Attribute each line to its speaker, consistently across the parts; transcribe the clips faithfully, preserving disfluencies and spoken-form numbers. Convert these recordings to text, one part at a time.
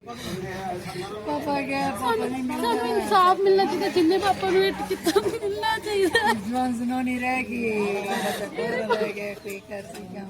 Speaker 1: ਪਾਪਾ ਗਿਆ ਪਾਪਾ ਨਹੀਂ ਮਿਲਦਾ
Speaker 2: ਸਾਨੂੰ ਇਨਸਾਫ ਮਿਲਣਾ ਚਾਹੀਦਾ, ਜਿੰਨੇ ਪਾਪਾ ਨੂੰ ਹਿੱਟ ਕੀਤਾ ਮਿਲਣਾ ਚਾਹੀਦਾ।
Speaker 1: ਜਵਾਨ ਜ਼ਨੋਨੀ ਰਹਿ ਗਈ ਬਸ ਰਹਿ ਗਿਆ ਕੋਈ ਕਰ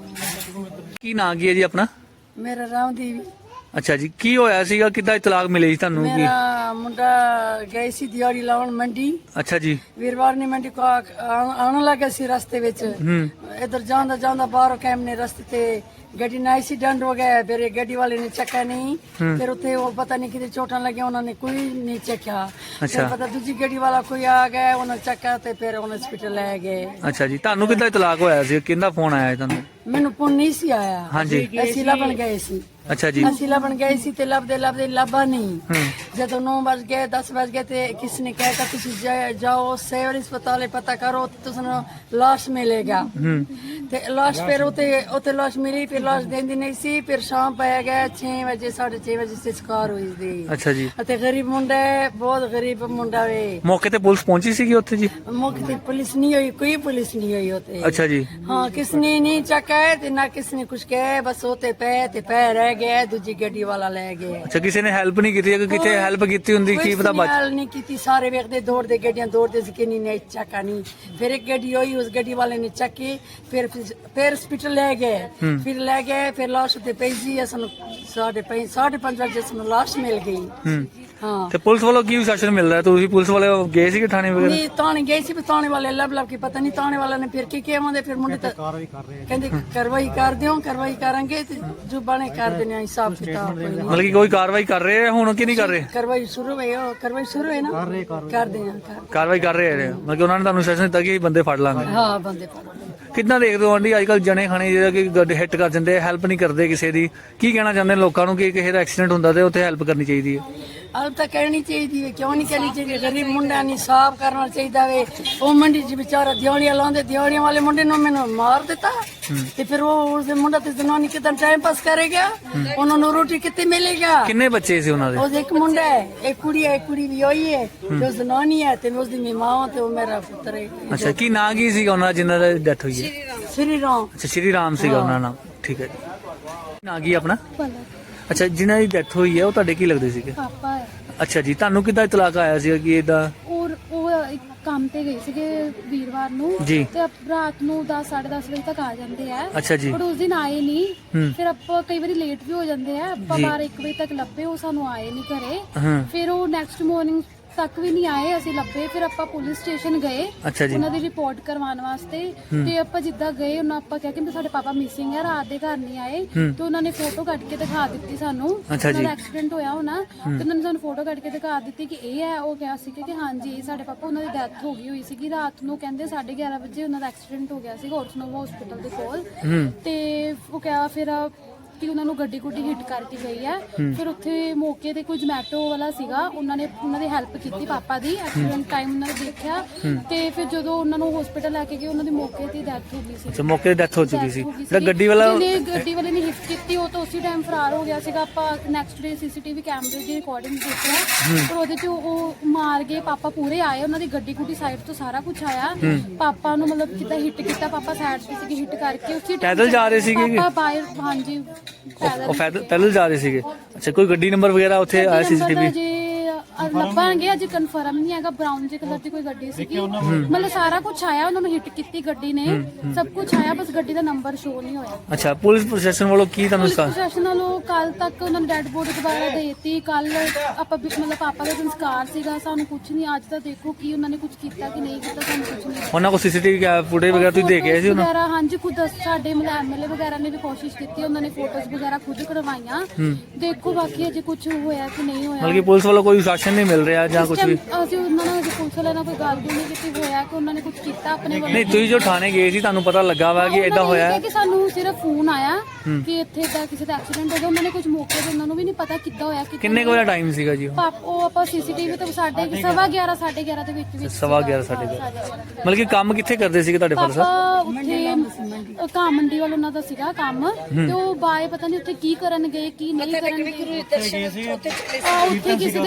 Speaker 1: ਸੀ
Speaker 3: ਕੀ ਨਾਂ ਕੀ ਹੈ ਜੀ ਆਪਣਾ?
Speaker 1: ਮੇਰਾ ਰਾਮਦੀਵੀ
Speaker 3: ਅੱਛਾ ਜੀ, ਕੀ ਹੋਇਆ ਸੀਗਾ, ਕਿੱਦਾਂ ਇਤਲਾਕ ਮਿਲੀ ਸੀ ਤੁਹਾਨੂੰ? ਕੀ
Speaker 1: ਮੇਰਾ ਮੁੰਡਾ ਗਏ ਸੀ ਦਿਹਾੜੀ ਲਾਉਣ ਮੰਡੀ।
Speaker 3: ਅੱਛਾ ਜੀ।
Speaker 1: ਵੀਰਵਾਰ ਨੇ ਮੰਡੀ ਕੋ ਆ- ਆਉਣ ਆਉਣ ਲੱਗਾ ਸੀ ਰਸਤੇ ਵਿੱਚ।
Speaker 3: ਹੂੰ
Speaker 1: ਇਧਰ ਜਾਂਦਾ ਜਾਂਦਾ ਬਾਹਰੋਂ ਕੈਮ ਨੇ ਰਸਤੇ ਤੇ ਗੱਡੀ ਨਾ ਸੀ ਡੰਡ ਹੋ ਗਿਆ, ਫਿਰ ਇਹ ਗੱਡੀ ਵਾਲੇ ਨੇ ਚੱਕਾ ਨਹੀਂ। ਫਿਰ ਉੱਥੇ ਉਹ ਪਤਾ ਨਹੀਂ ਕਿਤੇ ਚੋਟਾਂ ਲੱਗੀਆਂ, ਉਹਨਾਂ ਨੇ ਕੋਈ ਨਹੀਂ ਚੱਕਿਆ। ਫਿਰ
Speaker 3: ਅੱਛਾ।
Speaker 1: ਪਤਾ ਦੂਜੀ ਗੱਡੀ ਵਾਲਾ ਕੋਈ ਆ ਗਿਆ, ਉਹਨਾਂ ਚੱਕਾ ਤੇ ਫਿਰ ਉਹਨਾਂ ਹਸਪੀਟਲ ਲੈ ਗਏ।
Speaker 3: ਅੱਛਾ ਜੀ, ਤੁਹਾਨੂੰ ਕਿੱਦਾਂ ਇਤਲਾਕ ਹੋਇਆ ਸੀ, ਕਿਹਦਾ ਫੋਨ ਆਇਆ ਸੀ ਤੁਹਾਨੂੰ?
Speaker 1: ਮੈਨੂੰ ਪੁੰਨ ਨਹੀਂ ਸੀ ਆਇਆ।
Speaker 3: ਹਾਂਜੀ।
Speaker 1: ਅਸੀਂ ਲੱਭਣ ਗਏ ਸੀ
Speaker 3: ਅੱਛਾ ਜੀ।
Speaker 1: ਅਸੀਂ ਲੱਭਣ ਗਏ ਸੀ ਤੇ ਲੱਭਦੇ ਲੱਭਦੇ ਲੱਭਾ ਨਹੀਂ।
Speaker 3: ਹੂੰ
Speaker 1: ਜਦੋਂ ਨੌ ਵਜ ਗਏ ਦਸ ਵਜ ਗਏ ਤੇ ਕਿਸ ਨੇ ਕਹਿਤਾ ਤੁਸੀਂ ਜਾ- ਜਾਓ ਸਿਵਲ ਹਸਪਤਾਲ ਪਤਾ ਕਰੋ ਤੇ ਤੁਹਾਨੂੰ ਲਾਸ਼ ਮਿਲੇਗਾ।
Speaker 3: ਹੂੰ
Speaker 1: ਤੇ ਲਾਸ਼ ਫਿਰ ਉਤੇ ਉਤੇ ਲਾਸ਼ ਮਿਲੀ, ਫਿਰ ਲਾਸ਼ ਦੇਂਦੀ ਨਹੀਂ ਸੀ। ਫਿਰ ਸ਼ਾਮ ਪੈ ਗਿਆ ਛੇ ਵਜੇ ਸਾਢੇ ਛੇ ਵਜੇ ਸੰਸਕਾਰ ਹੋਈ ਸੀ।
Speaker 3: ਅੱਛਾ ਜੀ,
Speaker 1: ਅਤੇ ਗਰੀਬ ਮੁੰਡਾ ਹੈ, ਬਹੁਤ ਗਰੀਬ ਮੁੰਡਾ ਵੇ।
Speaker 3: ਮੌਕੇ ਤੇ ਪੁਲਿਸ ਪਹੁੰਚੀ ਸੀਗੀ ਉੱਥੇ ਜੀ?
Speaker 1: ਮੌਕੇ ਤੇ ਪੁਲਿਸ ਨਹੀਂ ਹੋਈ, ਕੋਈ ਪੁਲਿਸ ਨਹੀਂ ਹੋਈ ਉਤੇ।
Speaker 3: ਅੱਛਾ ਜੀ।
Speaker 1: ਹਾਂ, ਕਿਸ ਨੇ ਨਹੀਂ ਚੱਕਿਆ ਤੇ ਨਾ ਕਿਸ ਨੇ ਕੁਛ ਕਿਹਾ, ਬਸ ਉਤੇ ਪੈ ਤੇ ਪੈ ਰਹਿ ਗਏ, ਦੂਜੀ ਗੱਡੀ ਵਾਲਾ ਲੈ ਗਏ।
Speaker 3: ਅੱਛਾ, ਕਿਸੇ ਨੇ ਹੈਲਪ ਨਹੀਂ ਕੀਤੀ? ਅਗਰ ਕਿਤੇ ਹੈਲਪ ਕੀਤੀ ਹੁੰਦੀ ਕੀ ਪਤਾ ਬਚ।
Speaker 1: ਗੱਲ ਨਹੀਂ ਕੀਤੀ, ਸਾਰੇ ਵੇਖਦੇ ਦੌੜਦੇ ਗੱਡੀਆਂ ਦੌੜਦੇ ਸੀ ਕਿ ਨਹੀਂ ਨਹੀਂ ਚੱਕਾ ਨਹੀਂ। ਫਿਰ ਇੱਕ ਗੱਡੀ ਹੋਈ, ਉਸ ਗੱਡੀ ਵਾਲੇ ਨੇ ਚੱਕੀ, ਫਿਰ ਫਿਰ ਹਸਪੀਟਲ ਲੈ ਗਏ। ਫਿਰ ਲੈ ਗਏ, ਫਿਰ ਲਾਸ਼ ਉੱਤੇ ਪਈ ਸੀ। ਸਾਨੂੰ ਸਾਢੇ ਪੰਜ ਸਾਢੇ ਪੰਜ ਵਜੇ ਸਾਨੂੰ ਲਾਸ਼ ਮਿਲ ਗਈ।
Speaker 3: ਹੂੰ
Speaker 1: ਹਾਂ,
Speaker 3: ਤੇ ਪੁਲਿਸ ਵੱਲੋਂ ਕੀ ਸ਼ਾਸਨ ਮਿਲ ਰਿਹਾ? ਤੁਸੀਂ ਪੁਲਿਸ ਵਾਲੇ ਗਏ ਸੀਗੇ ਥਾਣੇ ਵਗੈਰਾ?
Speaker 1: ਨਹੀਂ ਤਾਣੇ ਗਏ ਸੀ, ਪਰ ਤਾਣੇ ਵਾਲੇ ਲੱਭ ਲੱਭ ਕੇ ਪਤਾ ਨਹੀਂ ਤਾਣੇ ਵਾਲੇ ਨੇ ਫਿਰ ਕੀ ਕਿਹਾ ਆਉਂਦੇ। ਫਿਰ ਮੁੰਡੇ ਤਾਂ ਕਹਿੰਦੇ ਕਾਰਵਾਈ ਕਰ ਦਿਓ, ਕਾਰਵਾਈ ਕਰਾਂਗੇ ਤੇ ਜੋ ਬਣੇ ਕਰ ਦੇਣੇ ਆ, ਹਿਸਾਬ ਕਿਤਾਬ ਕੋਈ ਨਹੀਂ।
Speaker 3: ਮਤਲਬ ਕਿ ਕੋਈ ਕਾਰਵਾਈ ਕਰ ਰਹੇ ਆ ਹੁਣ ਕਿ ਨਹੀਂ ਕਰ ਰਹੇ?
Speaker 1: ਕਾਰਵਾਈ ਸ਼ੁਰੂ ਹੈ, ਉਹ ਕਾਰਵਾਈ ਸ਼ੁਰੂ ਹੈ ਨਾ, ਕਰਦੇ ਆ ਕਰ-
Speaker 3: ਕਾਰਵਾਈ ਕਰ ਰਹੇ ਆ, ਮਤਲਬ ਕਿ ਉਹਨਾਂ ਨੇ ਤੁਹਾਨੂੰ ਸ਼ਾਸਨ ਦਿੱਤਾ ਕਿ ਬੰਦੇ ਫੜ ਲਾਂਗੇ।
Speaker 1: ਹਾਂ, ਬੰਦੇ ਫੜ ਲਏ।
Speaker 3: ਕਿੱਦਾਂ ਦੇਖਦੇ ਹੋ ਆਂਟੀ ਅੱਜ ਕੱਲ ਜਣੇ ਖਾਣੇ ਜਿਹੜਾ ਕਿ ਗੱਡ ਹਿੱਟ ਕਰ ਦਿੰਦੇ, ਹੈਲਪ ਨਹੀਂ ਕਰਦੇ ਕਿਸੇ ਦੀ? ਕੀ ਕਹਿਣਾ ਚਾਹੁੰਦੇ ਨੇ ਲੋਕਾਂ ਨੂੰ ਕਿ ਕਿਸੇ ਦਾ ਐਕਸੀਡੈਂਟ ਹੁੰਦਾ ਤੇ ਉੱਥੇ ਹੈਲਪ ਕਰਨੀ ਚਾਹੀਦੀ ਹੈ?
Speaker 1: ਹਾਲ ਤਾਂ ਕਹਿਣੀ ਚਾਹੀਦੀ ਹੈ, ਕਿਉਂ ਨਹੀਂ ਕਹਿਣੀ ਚਾਹੀਦੀ? ਗਰੀਬ ਮੁੰਡਾ ਨਹੀਂ ਸਾਫ ਕਰਨਾ ਚਾਹੀਦਾ ਵੇ। ਉਹ ਮੰਡੀ 'ਚ ਵਿਚਾਰਾ ਦਿਹਾੜੀਆਂ ਲਾਉਂਦੇ, ਦਿਹਾੜੀਆਂ ਵਾਲੇ ਮੁੰਡੇ ਨੂੰ ਮੈਨੂੰ ਮਾਰ ਦਿੱਤਾ ਤੇ ਫਿਰ ਉਹ ਉਸਦੇ ਮੁੰਡਾ ਤੇ ਜਨਾਨੀ ਕਿਦਾਂ ਟਾਈਮ ਪਾਸ ਕਰੇਗਾ? ਉਹਨਾਂ ਨੂੰ ਰੋਟੀ ਕਿੱਥੇ ਮਿਲੇਗਾ?
Speaker 3: ਕਿੰਨੇ ਬੱਚੇ ਸੀ ਉਹਨਾਂ ਦੇ?
Speaker 1: ਉਹਦੇ ਇੱਕ ਮੁੰਡਾ ਹੈ, ਇੱਕ ਕੁੜੀ ਹੈ, ਇੱਕ ਕੁੜੀ ਵੀ ਹੋਈ ਹੈ ਤੇ ਉਹ ਜਨਾਨੀ ਹੈ ਤੇ ਉਸਦੀ ਮਾਂ ਤੇ ਉਹ ਮੇਰਾ ਪੁੱਤਰ ਹੈ।
Speaker 3: ਅੱਛਾ, ਕੀ ਨਾਂ ਕੀ ਸੀਗਾ ਉਹਨਾਂ ਜਿਨ੍ਹਾਂ ਦੀ ਡੈਥ ਹੋਈ ਹੈ?
Speaker 1: ਸ੍ਰੀ ਰਾਮ।
Speaker 3: ਅੱਛਾ, ਸ਼੍ਰੀ ਰਾਮ ਸੀਗਾ ਉਹਨਾਂ ਦਾ ਨਾਮ। ਠੀਕ ਹੈ ਜੀ। ਨਾਂ ਕੀ ਆਪਣਾ?
Speaker 2: ਪਲਕ
Speaker 3: ਅੱਛਾ, ਜਿਨ੍ਹਾਂ ਦੀ ਡੈਥ ਹੋਈ ਹੈ ਉਹ ਤੁਹਾਡੇ ਕੀ ਲੱਗਦੇ ਸੀਗੇ?
Speaker 2: ਪਾਪਾ ਹੈ।
Speaker 3: ਅੱਛਾ ਜੀ, ਤੁਹਾਨੂੰ ਕਿੱਦਾਂ ਇਤਲਾਕ ਆਇਆ ਸੀਗਾ ਕਿ ਇਦਾਂ?
Speaker 2: ਔਰ ਉਹ ਇੱਕ ਕੰਮ ਤੇ ਗਏ ਸੀਗੇ ਵੀਰਵਾਰ ਨੂੰ
Speaker 3: ਜੀ।
Speaker 2: ਤੇ ਅਪ- ਰਾਤ ਨੂੰ ਦਸ ਸਾਢੇ ਦਸ ਵਜੇ ਤੱਕ ਆ ਜਾਂਦੇ ਆ।
Speaker 3: ਅੱਛਾ ਜੀ।
Speaker 2: ਪਰ ਉਸ ਦਿਨ ਆਏ ਨਹੀਂ।
Speaker 3: ਹੂੰ।
Speaker 2: ਫਿਰ ਆਪਾਂ ਕਈ ਵਾਰੀ ਲੇਟ ਵੀ ਹੋ ਜਾਂਦੇ ਆ, ਆਪਾਂ
Speaker 3: ਜੀ।
Speaker 2: ਬਾਰਾਂ ਇੱਕ ਵਜੇ ਤੱਕ ਲੱਭੇ, ਉਹ ਸਾਨੂੰ ਆਏ ਨਹੀਂ ਘਰੇ।
Speaker 3: ਹਾਂ।
Speaker 2: ਫਿਰ ਉਹ ਨੈਕਸਟ ਮਾਰਨਿੰਗ ਤੱਕ ਵੀ ਨਹੀਂ ਆਏ, ਅਸੀਂ ਲੱਭੇ। ਫਿਰ ਆਪਾਂ ਪੁਲਿਸ ਸਟੇਸ਼ਨ ਗਏ
Speaker 3: ਅੱਛਾ ਜੀ।
Speaker 2: ਉਹਨਾਂ ਦੀ ਰਿਪੋਰਟ ਕਰਵਾਉਣ ਵਾਸਤੇ। ਤੇ ਆਪਾਂ ਜਿੱਦਾਂ ਗਏ, ਉਹਨਾਂ ਆਪਾਂ ਕਿਹਾ ਕਿ ਸਾਡੇ ਪਾਪਾ ਮਿਸਿੰਗ ਹੈ, ਰਾਤ ਦੇ ਘਰ ਨਹੀਂ ਆਏ। ਤੇ ਉਹਨਾਂ ਨੇ ਫੋਟੋ ਕੱਢ ਕੇ ਦਿਖਾ ਦਿੱਤੀ ਸਾਨੂੰ।
Speaker 3: ਅੱਛਾ ਜੀ।
Speaker 2: ਉਹਨਾਂ ਦਾ ਐਕਸੀਡੈਂਟ ਹੋਇਆ ਹੋਣਾ ਤੇ ਉਹਨਾਂ ਨੇ ਸਾਨੂੰ ਫੋਟੋ ਕੱਢ ਕੇ ਦਿਖਾ ਦਿੱਤੀ ਕਿ ਇਹ ਹੈ। ਉਹ ਕਿਹਾ ਸੀ ਕਿ ਹਾਂਜੀ ਇਹ ਸਾਡੇ ਪਾਪਾ, ਉਹਨਾਂ ਦੀ ਡੈਥ ਹੋ ਗਈ ਹੋਈ ਸੀਗੀ ਰਾਤ ਨੂੰ। ਕਹਿੰਦੇ ਸਾਢੇ ਗਿਆਰਾਂ ਵਜੇ ਉਹਨਾਂ ਦਾ ਐਕਸੀਡੈਂਟ ਹੋ ਗਿਆ ਸੀ ਔਰਸਨੋਵਾ ਹਸਪੀਟਲ ਦੇ ਕੋਲ।
Speaker 3: ਹੂੰ
Speaker 2: ਤੇ ਉਹ ਕਿਹਾ ਫਿਰ ਕਿ ਉਹਨਾਂ ਨੂੰ ਗੱਡੀ ਗੁੱਡੀ ਹਿੱਟ ਕਰਕੇ ਗਈ ਹੈ। ਫਿਰ ਉੱਥੇ ਮੌਕੇ ਤੇ ਕੋਈ ਜਮੈਟੋ ਵਾਲਾ ਸੀਗਾ, ਉਹਨਾਂ ਨੇ ਉਹਨਾਂ ਦੀ ਹੈਲਪ ਕੀਤੀ ਪਾਪਾ ਦੀ। ਐਕਸੀਡੈਂਟ ਟਾਈਮ ਉਹਨਾਂ ਨੇ ਦੇਖਿਆ ਤੇ ਫਿਰ ਜਦੋਂ ਉਹਨਾਂ ਨੂੰ ਹਸਪੀਟਲ ਲੈ ਕੇ ਗਏ, ਉਹਨਾਂ ਦੀ ਮੌਕੇ ਤੇ ਡੈਥ ਹੋ ਗਈ ਸੀ।
Speaker 3: ਅੱਛਾ, ਮੌਕੇ ਤੇ ਡੈਥ ਹੋ ਚੁੱਕੀ ਸੀ।
Speaker 2: Death ਹੋ ਗਈ
Speaker 3: ਜਿਹੜਾ
Speaker 2: ਸੀਗੀ।
Speaker 3: ਗੱਡੀ ਵਾਲਾ
Speaker 2: ਜਿਹਨੇ ਗੱਡੀ ਵਾਲੇ ਨੇ ਹਿੱਟ ਕੀਤੀ, ਉਹ ਤਾਂ ਉਸੇ ਟਾਈਮ ਫਰਾਰ ਹੋ ਗਿਆ ਸੀਗਾ। ਆਪਾਂ ਨੈਕਸਟ ਡੇ ਸੀਸੀਟੀਵੀ ਕੈਮਰੇ ਦੀ ਰਿਕਾਰਡਿੰਗ ਦੇਖਿਆ, ਪਰ ਉਹਦੇ 'ਚ ਉਹ ਮਾਰ ਗਏ। ਪਾਪਾ ਪੂਰੇ ਆਏ, ਉਹਨਾਂ ਦੀ ਗੱਡੀ ਗੁੱਡੀ ਸਾਈਡ ਤੋਂ ਸਾਰਾ ਕੁਝ ਆਇਆ। ਪਾਪਾ ਨੂੰ ਮਤਲਬ ਕਿੱਦਾਂ ਹਿੱਟ ਕੀਤਾ, ਪਾਪਾ ਸਾਈਡ ਤੇ ਸੀਗੇ, ਹਿੱਟ ਕਰਕੇ ਉਸੇ time
Speaker 3: ਪੈਦਲ ਜਾ ਰਹੇ ਸੀਗੇ?
Speaker 2: ਪਾਪਾ ਬਾਹਰ, ਹਾਂਜੀ ਪੈਦਲ।
Speaker 3: ਉਹ ਪੈਦਲ ਪੈਦਲ ਜਾ ਰਹੇ ਸੀਗੇ? ਅੱਛਾ, ਕੋਈ ਗੱਡੀ ਨੰਬਰ ਵਗੈਰਾ ਉੱਥੇ ਆਇਆ ਸੀਸੀਟੀਵੀ?
Speaker 2: ਜੇ ਲੱਭਾਂਗੇ, ਅਜੇ ਕਨਫਰਮ ਨਹੀਂ ਹੈਗਾ। ਬ੍ਰਾਊਨ ਜੇ ਕਲਰ ਦੀ ਕੋਈ ਗੱਡੀ ਸੀਗੀ, ਮਤਲਬ ਸਾਰਾ ਕੁਝ ਆਇਆ। ਉਹਨਾਂ ਨੂੰ ਹਿੱਟ ਕੀਤੀ ਗੱਡੀ ਨੇ, ਸਭ ਕੁਝ ਆਇਆ, ਬਸ ਗੱਡੀ ਦਾ ਨੰਬਰ ਸ਼ੋ ਨਹੀਂ ਹੋਇਆ।
Speaker 3: ਅੱਛਾ, ਪੁਲਿਸ ਪ੍ਰਸ਼ਾਸਨ ਵੱਲੋਂ ਕੀ ਤੁਹਾਨੂੰ
Speaker 2: ਪੁਲਿਸ
Speaker 3: ਸਾ-
Speaker 2: ਪ੍ਰਸ਼ਾਸਨ ਵੱਲੋਂ ਕੱਲ ਤੱਕ ਉਹਨਾਂ ਨੇ ਡੈਡ ਬੋਡੀ ਦੁਬਾਰਾ ਦੇ ਦਿੱਤੀ। ਕੱਲ ਆਪਾਂ ਵੀ- ਮਤਲਬ ਪਾਪਾ ਦਾ ਸੰਸਕਾਰ ਸੀਗਾ, ਸਾਨੂੰ ਕੁਝ ਨਹੀਂ। ਅੱਜ ਤਾਂ ਦੇਖੋ ਕੀ ਉਹਨਾਂ ਨੇ ਕੁਝ ਕੀਤਾ ਕਿ ਨਹੀਂ ਕੀਤਾ, ਸਾਨੂੰ ਕੁਝ ਨਹੀਂ।
Speaker 3: ਉਹਨਾਂ ਕੋਲ ਸੀਸੀਟੀਵੀ ਫੁਟੇਜ ਵਗੈਰਾ ਤੁਸੀਂ ਦੇ ਕੇ ਆਏ ਸੀ ਉਹਨਾਂ?
Speaker 2: ਵਗੈਰਾ ਹਾਂਜੀ, ਖੁਦ ਸਾਡੇ ਮਤਲਬ ਐਮਐਲਏ ਵਗੈਰਾ ਨੇ ਵੀ ਕੋਸ਼ਿਸ਼ ਕੀਤੀ, ਉਹਨਾਂ ਨੇ ਫੋਟੋਜ਼ ਵਗੈਰਾ ਖੁਦ ਕਢਵਾਈਆਂ। ਦੇਖੋ ਬਾਕੀ ਅਜੇ ਕੁਝ ਹੋਇਆ ਕਿ ਨਹੀਂ ਹੋਇਆ।
Speaker 3: ਮਤਲਬ ਕਿ ਪੁਲਿਸ ਵੱਲੋਂ ਕੋਈ ਸ਼ਾਸਨ ਨਹੀਂ ਮਿਲ ਰਿਹਾ ਜਾਂ ਕੁਝ ਵੀ?
Speaker 2: ਅਸੀਂ ਉਹਨਾਂ ਨਾਲ ਅਜੇ ਪੁਲਿਸ ਵਾਲਿਆਂ ਨਾਲ ਕੋਈ ਗੱਲ ਨਹੀਂ ਕੀਤੀ ਹੋਇਆ ਕਿ ਉਹਨਾਂ ਨੇ ਕੁਝ ਕੀਤਾ ਆਪਣੇ ਵੱਲੋਂ।
Speaker 3: ਨਹੀਂ, ਤੁਸੀਂ ਜੋ ਥਾਣੇ ਗਏ ਸੀ ਤੁਹਾਨੂੰ ਪਤਾ ਲੱਗਾ ਵਾ ਕਿ ਇਦਾਂ ਹੋਇਆ?
Speaker 2: ਕਿ ਸਾਨੂੰ ਸਿਰਫ ਫੋਨ ਆਇਆ ਕਿ ਇੱਥੇ ਦਾ ਕਿਸੇ ਦਾ ਐਕਸੀਡੈਂਟ ਹੋ ਗਿਆ। ਉਹਨਾਂ ਨੇ ਕੁਝ ਮੌਕੇ ਤੇ ਉਹਨਾਂ ਨੂੰ ਵੀ ਨਹੀਂ ਪਤਾ ਕਿੱਦਾਂ ਹੋਇਆ। ਕਿ
Speaker 3: ਕਿੰਨੇ ਕੁ ਵਜੇ ਟਾਈਮ ਸੀਗਾ ਜੀ ਉਹ?
Speaker 2: ਪਾਪ ਉਹ ਆਪਾਂ ਸੀਸੀਟੀਵੀ ਤੇ ਸਾਡੇ ਸਵਾ ਗਿਆਰਾਂ ਸਾਢੇ ਗਿਆਰਾਂ ਦੇ ਵਿੱਚ ਵਿੱਚ
Speaker 3: ਸਵਾ ਗਿਆਰਾਂ ਸਾਢੇ ਗਿਆਰਾਂ। ਮਤਲਬ ਕਿ ਕੰਮ ਕਿੱਥੇ ਕਰਦੇ ਸੀਗੇ ਤੁਹਾਡੇ ਫਾਦਰ ਸਾਹਿਬ?
Speaker 2: ਪਾਪਾ ਉੱਥੇ ਘਾਹ ਮੰਡੀ ਵਾਲ ਉਹਨਾਂ ਦਾ ਸੀਗਾ ਕੰਮ, ਤੇ ਉਹ ਬਾਏ ਪਤਾ ਨਹੀਂ ਉੱਥੇ ਕੀ ਕਰਨ ਗਏ ਕੀ ਨਹੀਂ ਕਰਨ ਗਏ। ਆ, ਉੱਥੇ ਕਿਸੇ ਦੇ ਕੀਰਤਨ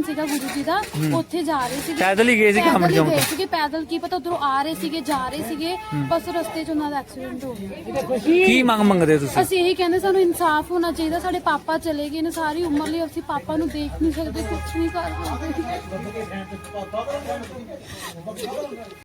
Speaker 2: ਸੀਗਾ ਗੁਰੂ ਜੀ ਦਾ, ਉੱਥੇ ਜਾ ਰਹੇ ਸੀਗੇ,
Speaker 3: ਪੈਦਲ ਹੀ ਗਏ ਸੀ ਕਾਮੜ
Speaker 2: ਪੈਦਲ ਹੀ
Speaker 3: ਚੌਂਕ
Speaker 2: ਗਏ
Speaker 3: ਤੋਂ?
Speaker 2: ਸੀਗੇ, ਪੈਦਲ ਕੀ ਪਤਾ ਉਧਰੋਂ ਆ ਰਹੇ ਸੀਗੇ, ਜਾ ਰਹੇ ਸੀਗੇ, ਬਸ ਰਸਤੇ 'ਚ ਉਹਨਾਂ ਦਾ ਐਕਸੀਡੈਂਟ ਹੋ ਗਿਆ।
Speaker 3: ਕੀ ਮੰਗ ਮੰਗਦੇ ਤੁਸੀਂ?
Speaker 2: ਅਸੀਂ ਇਹੀ ਕਹਿੰਦੇ ਸਾਨੂੰ ਇਨਸਾਫ ਹੋਣਾ ਚਾਹੀਦਾ। ਸਾਡੇ ਪਾਪਾ ਚਲੇ ਗਏ ਨੇ, ਸਾਰੀ ਉਮਰ ਲਈ ਅਸੀਂ ਪਾਪਾ ਨੂੰ ਦੇਖ ਨਹੀਂ ਸਕਦੇ, ਕੁਝ ਨਹੀਂ ਕਰ ਸਕਦੇ।